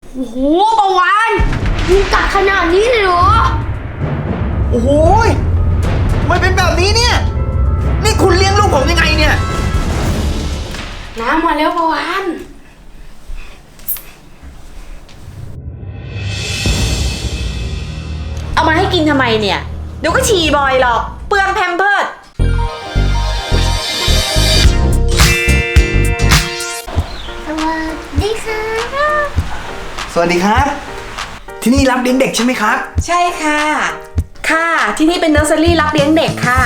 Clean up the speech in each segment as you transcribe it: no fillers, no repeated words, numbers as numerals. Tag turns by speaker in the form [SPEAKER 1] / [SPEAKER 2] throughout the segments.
[SPEAKER 1] โอ้โหประวานมึงกัดขนาดนี้เลยเหรอ
[SPEAKER 2] โอ้โหทำไมเป็นแบบนี้เนี่ยนี่คุณเลี้ยงลูกผมยังไงเนี่ย
[SPEAKER 1] น้ำมาแล้วประวาน
[SPEAKER 3] เอามาให้กินทำไมเนี่ยเดี๋ยวก็ฉี่บ่อยหรอกเปลืองแพมเพิร์ส
[SPEAKER 2] สวัสดีครับที่นี่รับเลี้ยงเด็กใช่ไหมครับ
[SPEAKER 3] ใช่ค่ะค่ะที่นี่เป็นเนอร์เซอรี่รับเลี้ยงเด็กค่ะ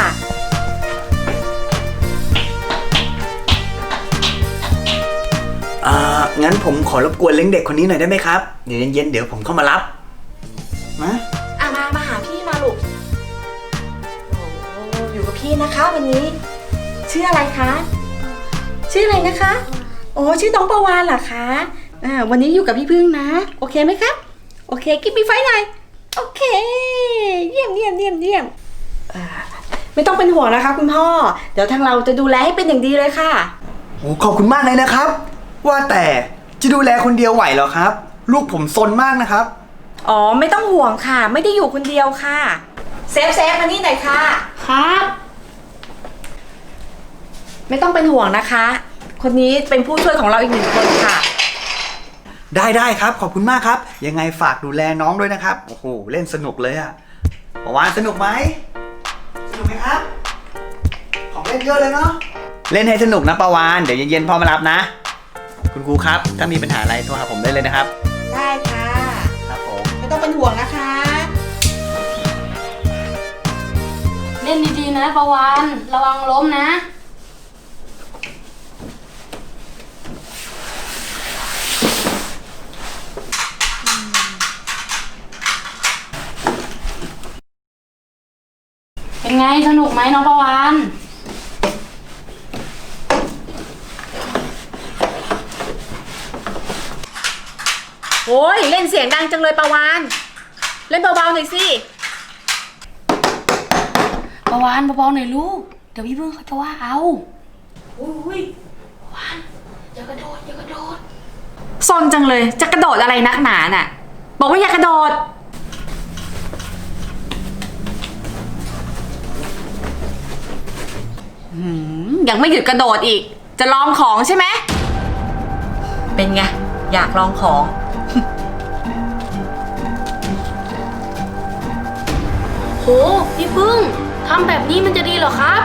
[SPEAKER 2] งั้นผมขอรบกวนเลี้ยงเด็กคนนี้หน่อยได้ไหมครับเดี๋ยวเย็นๆเดี๋ยวผมเข้ามารับนะ
[SPEAKER 3] มาหาพี่มาลูกโอ้อยู่กับพี่นะคะวันนี้ชื่ออะไรคะชื่ออะไรนะคะโอ้ชื่อน้องประวานเหรอคะวันนี้อยู่กับพี่พึ่งนะโอเคไหมครับโอเคกิ๊บมีไฟหน่อยโอเคเยี่ยมไม่ต้องเป็นห่วงนะคะคุณพ่อเดี๋ยวทางเราจะดูแลให้เป็นอย่างดีเลยค่ะ
[SPEAKER 2] โอ้ขอบคุณมากเลยนะครับว่าแต่จะดูแลคนเดียวไหวเหรอครับลูกผมซนมากนะครับ
[SPEAKER 3] อ๋อไม่ต้องห่วงค่ะไม่ได้อยู่คนเดียวค่ะเซฟมานี่หน่อยค่ะ
[SPEAKER 1] ครับ
[SPEAKER 3] ไม่ต้องเป็นห่วงนะคะคนนี้เป็นผู้ช่วยของเราอีก1 คนค่ะ
[SPEAKER 2] ได้ครับขอบคุณมากครับยังไงฝากดูแลน้องด้วยนะครับโอ้โหเล่นสนุกเลยอะประวานสนุกไหมครับของเล่นเยอะเลยเนาะเล่นให้สนุกนะประวานเดี๋ยวเย็นๆพ่อมารับนะคุณครูครับถ้ามีปัญหาอะไรโทรหาผมได้เลยนะครับ
[SPEAKER 3] ได้ค่ะ
[SPEAKER 2] ครับผม
[SPEAKER 3] ไม่ต้องเป็นห่วงนะคะ
[SPEAKER 1] เล่นดีๆนะประวานระวังล้มนะเป็นไงสนุกไหมน้องประวาน
[SPEAKER 3] โอ้ยเล่นเสียงดังจังเลยประวานเล่นเบาๆหน่อยสิ
[SPEAKER 1] ประวานเบาๆหน่อยลูกเดี๋ยวพี่พึ่งเขาจะว่าเอาอุ้ยประวานอย่ากระโดด
[SPEAKER 3] ซนจังเลยจะกระโดดอะไรนักหนาน่ะบอกว่าอย่ากระโดดยังไม่หยุดกระโดดอีกจะลองของใช่ไหมเป็นไงอยากลองของ
[SPEAKER 1] โหพี่พึ่งทำแบบนี้มันจะดีเหรอครับ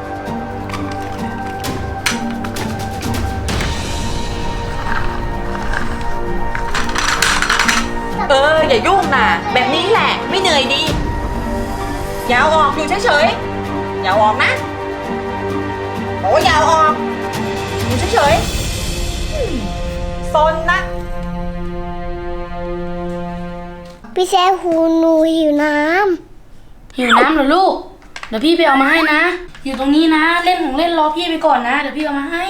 [SPEAKER 3] อย่ายุ่งนะแบบนี้แหละไม่เหนื่อยดีอย่าเอาออกอยู่เฉยๆอย่าเอาออกนะโอ้อย่าเอาออกอยู่เฉยๆซนนะ
[SPEAKER 4] พี่แซ่หูหนูหิวน้
[SPEAKER 1] ำเหรอลูกเดี๋ยวพี่ไปเอามาให้นะอยู่ตรงนี้นะเล่นของเล่นรอพี่ไปก่อนนะเดี๋ยวพี่เอามาให้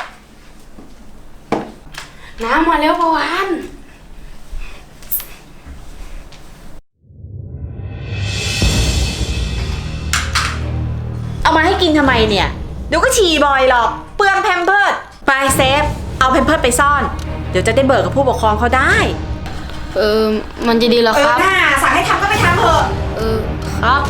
[SPEAKER 1] น้ำมาแล้วประวาน
[SPEAKER 3] เอามาให้กินทำไมเนี่ยเดี๋ยวก็ฉี่บ่อยหรอกเปลืองแพมเพิร์สไปเซฟเอาแพมเพิร์สไปซ่อนเดี๋ยวจะได้เบิกกับผู้ปกครองเขาได้
[SPEAKER 1] มันจะดีเหรอครับ
[SPEAKER 3] น่าสั่งให้ทำก็ไปทำเถอะ
[SPEAKER 1] ครับ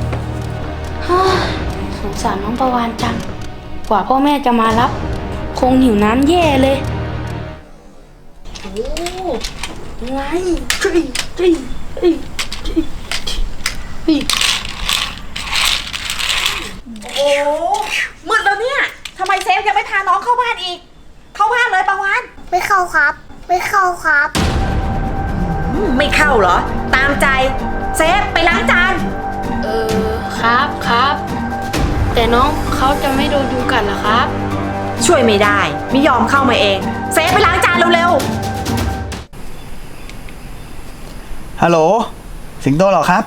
[SPEAKER 1] สงสารน้องประวานจังกว่าพ่อแม่จะมารับคงหิวน้ำแย่เลยโอ้ยังไง
[SPEAKER 3] โอ้มืดแล้วเนี่ยทำไมเซฟยังไม่พาน้องเข้าบ้านอีกเข้าบ้านเลยประวาน
[SPEAKER 4] ไม่เข้าครับไม่เข้าครับ
[SPEAKER 3] ไม่เข้าเหรอตามใจเซฟไปล้างจาน
[SPEAKER 1] ครับแต่น้องเขาจะไม่โดนยุงกัดเหรอครับ
[SPEAKER 3] ช่วยไม่ได้ไม่ยอมเข้ามาเองเซฟไปล้างจานเร็ว
[SPEAKER 2] ๆฮัลโหลสิงโตเหรอครับ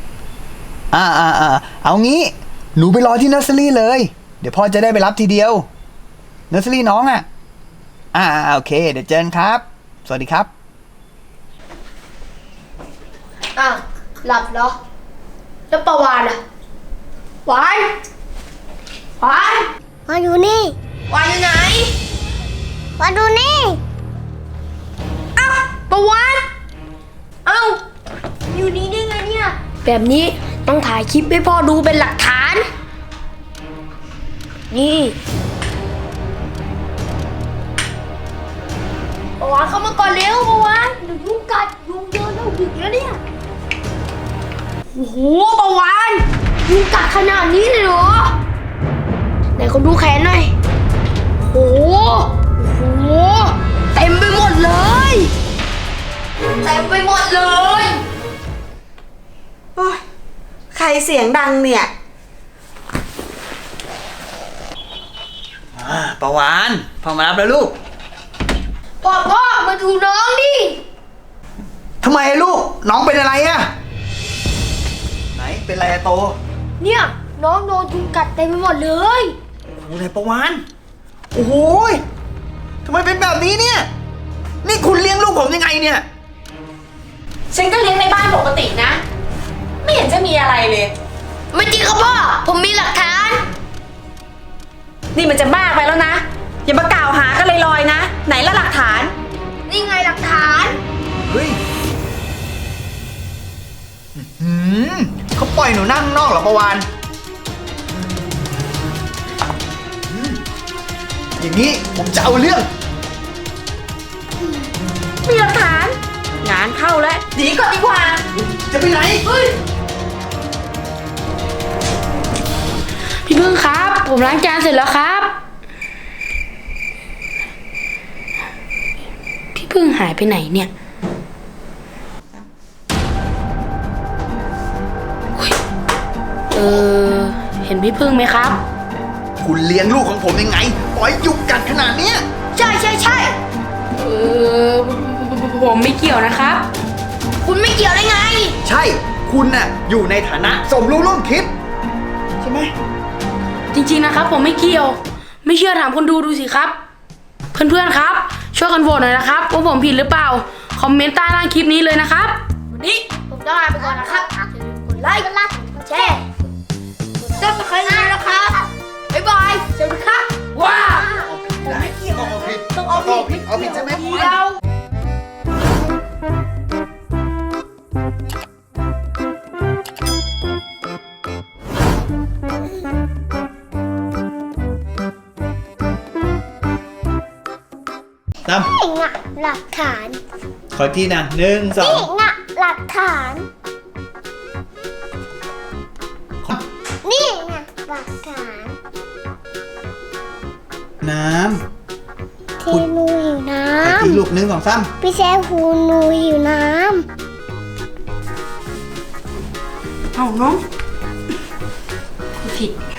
[SPEAKER 2] เอางี้หนูไปรอที่เนอร์เซอรี่เลยเดี๋ยวพ่อจะได้ไปรับทีเดียวเนอร์เซอรี่น้องโอเคเดี๋ยวเจอกันครับสวัสดีครับ
[SPEAKER 4] หลับเหรอแล้วประวานอ่ะวานมาอยู่นี่
[SPEAKER 3] วานอยู่ไหน
[SPEAKER 4] มาดูนี่
[SPEAKER 3] ประวาน
[SPEAKER 4] แบบนี้ต้องถ่ายคลิปให้พ่อดูเป็นหลักฐาน นี่ประวานเข้ามาก่อนเร็วประวานเดี๋ยวยุงกัดยุงเยอะแล้วดึกแล้วเนี่ย โอ้โหประวานยุงกัดขนาดนี้เลยเหรอไหนคนดูแขนหน่อยโอ้โหเต็มไปหมดเลยเต็มไปหมดเลย
[SPEAKER 3] โอ้ยใครเสียงดังเนี่ย
[SPEAKER 2] ประวานพ่อมารับแล้วลูก
[SPEAKER 4] พ่อมาดูน้องดิ
[SPEAKER 2] ทำไมลูก น้องเป็นอะไรอะไหนเป็นอะไรอะโต
[SPEAKER 4] เนี่ยน้องโดนยุงกัดเต็มไปหมดเลย
[SPEAKER 2] โอ้โหไหนประวานโอ้โหยทำไมเป็นแบบนี้เนี่ย นี่คุณเลี้ยงลูกผมยังไงเนี่ย
[SPEAKER 3] ฉันก็เลี้ยงในบ้านปกตินะ ไม่เห็นจะมีอะไรเลย
[SPEAKER 4] ไม่จริงครับพ่อผมมีหลักฐาน
[SPEAKER 3] นี่มันจะมากไปแล้วนะ อย่ามากล่าวหากันลอยๆนะ ไหนละหลักฐาน
[SPEAKER 4] นี่ไงหลักฐาน
[SPEAKER 2] เฮ้ยเขาปล่อยหนูนั่งข้างนอกเหรอประวานอย่างนี้ผมจะเอาเรื่อง
[SPEAKER 3] มีหลักฐาน งานเข้าแล้วหนีก่อนดีกว่า
[SPEAKER 2] จะไปไหน
[SPEAKER 1] พี่พึ่งครับ ผมล้างจานเสร็จแล้วครับ พี่พึ่งหายไปไหนเนี่ยอุ๊ยเห็นพี่พึ่งไหมครับ
[SPEAKER 2] คุณเลี้ยงลูกของผมยังไง ปล่อยยุงกัดขนาดเนี้ย
[SPEAKER 4] ใช่
[SPEAKER 1] ผมไม่เกี่ยวนะครับ
[SPEAKER 4] คุณไม่เกี่ยวได้ไง
[SPEAKER 2] ใช่ คุณน่ะอยู่ในฐานะสมรู้ร่วมคิด ใช่ไหม
[SPEAKER 1] จริงๆนะครับ ผมไม่เกี่ยว ไม่เชื่อถามคนดูสิครับ เพื่อนๆครับ ช่วยกันโหวตหน่อยนะครับว่าผมผิดหรือเปล่า คอมเมนต์ใต้ล่างคลิปนี้เลยนะครับ
[SPEAKER 4] วันนี้ผมต้องลาไปก่อนนะครับอย่าลืมกดไลค์กดแชร์กดซับสไครต์ด้วยนะครับ บ๊ายบายสวัสดีครับ ว้าว
[SPEAKER 2] ได้เอาผิด
[SPEAKER 4] ต้องเอาผิด
[SPEAKER 2] เอาผิดใช่ไหม
[SPEAKER 4] เดียว
[SPEAKER 2] ตาม
[SPEAKER 5] นี่ไงหลักฐาน
[SPEAKER 2] ขอทีนะหนึ่งสอ
[SPEAKER 5] นี่
[SPEAKER 2] ง
[SPEAKER 5] ไงหลักฐาน นี่ไงหลักฐาน
[SPEAKER 2] น้
[SPEAKER 5] ที่หนูหิวน้
[SPEAKER 2] ำขอทีลูกหนึ่งสองสาม
[SPEAKER 5] ำพี่แซมหูหนูหิวน้
[SPEAKER 1] เอาน้องผิด